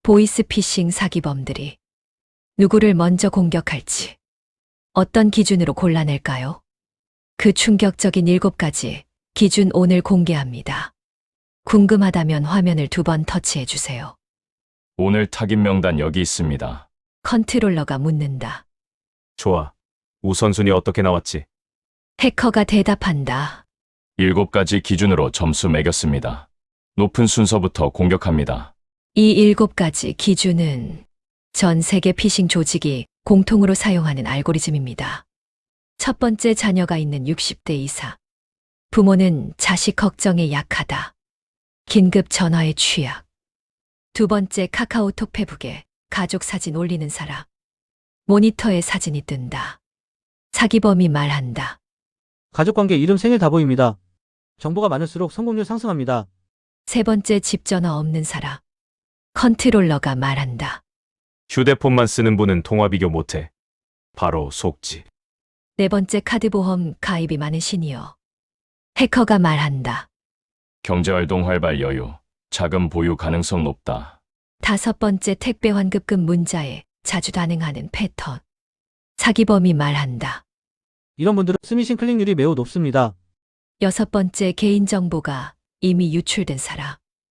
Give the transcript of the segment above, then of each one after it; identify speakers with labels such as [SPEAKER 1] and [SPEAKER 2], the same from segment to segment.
[SPEAKER 1] 보이스피싱 사기범들이 누구를 먼저 공격할지 어떤 기준으로 골라낼까요? 그 충격적인 7가지 기준 오늘 공개합니다. 궁금하다면 화면을 2번 터치해 주세요.
[SPEAKER 2] 오늘 타깃 명단 여기 있습니다.
[SPEAKER 1] 컨트롤러가 묻는다.
[SPEAKER 3] 좋아. 우선순위 어떻게 나왔지?
[SPEAKER 1] 해커가 대답한다.
[SPEAKER 2] 7가지 기준으로 점수 매겼습니다. 높은 순서부터 공격합니다.
[SPEAKER 1] 이 7가지 기준은 전 세계 피싱 조직이 공통으로 사용하는 알고리즘입니다. 첫 번째, 자녀가 있는 60대 이상. 부모는 자식 걱정에 약하다. 긴급 전화에 취약. 2번째, 카카오톡 페북에 가족 사진 올리는 사람. 모니터에 사진이 뜬다. 사기범이 말한다.
[SPEAKER 4] 가족관계, 이름, 생일 다 보입니다. 정보가 많을수록 성공률 상승합니다.
[SPEAKER 1] 3번째, 집 전화 없는 사람. 컨트롤러가 말한다.
[SPEAKER 3] 휴대폰만 쓰는 분은 통화 비교 못해. 바로 속지.
[SPEAKER 1] 4번째, 카드보험 가입이 많은 시니어. 해커가 말한다.
[SPEAKER 2] 경제활동 활발 여유, 자금 보유 가능성 높다.
[SPEAKER 1] 5번째, 택배 환급금 문자에 자주 반응하는 패턴. 사기범이 말한다.
[SPEAKER 4] 이런 분들은 스미싱 클릭률이 매우 높습니다.
[SPEAKER 1] 6번째, 개인정보가 이미 유출된 사람.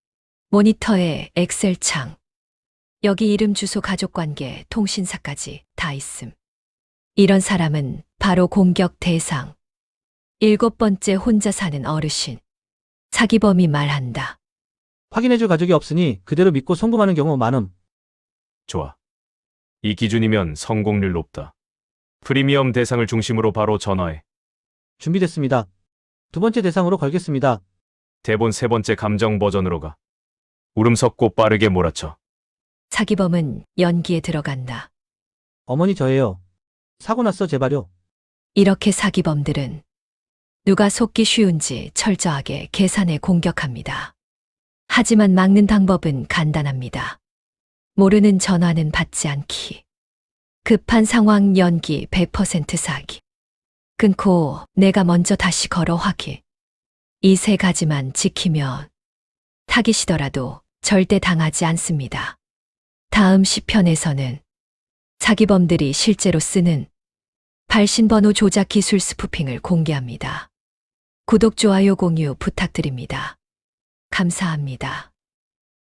[SPEAKER 1] 모니터에 엑셀 창. 여기 이름, 주소, 가족관계, 통신사까지 다 있음. 이런 사람은 바로 공격 대상. 7번째, 혼자 사는 어르신. 사기범이 말한다.
[SPEAKER 4] 확인해줄 가족이 없으니 그대로 믿고 송금하는 경우 많음.
[SPEAKER 3] 좋아. 이 기준이면 성공률 높다. 프리미엄 대상을 중심으로 바로 전화해.
[SPEAKER 4] 준비됐습니다. 2번째 대상으로 걸겠습니다.
[SPEAKER 3] 대본 3번째 감정 버전으로 가. 울음 섞고 빠르게 몰아쳐.
[SPEAKER 1] 사기범은 연기에 들어간다.
[SPEAKER 4] 어머니 저예요. 사고 났어 제발요.
[SPEAKER 1] 이렇게 사기범들은 누가 속기 쉬운지 철저하게 계산해 공격합니다. 하지만 막는 방법은 간단합니다. 모르는 전화는 받지 않기. 급한 상황 연기 100% 사기. 끊고 내가 먼저 다시 걸어 확인. 이 3가지만 지키면 타깃이더라도 절대 당하지 않습니다. 다음 시편에서는 사기범들이 실제로 쓰는 발신번호 조작 기술 스푸핑을 공개합니다. 구독, 좋아요, 공유 부탁드립니다. 감사합니다.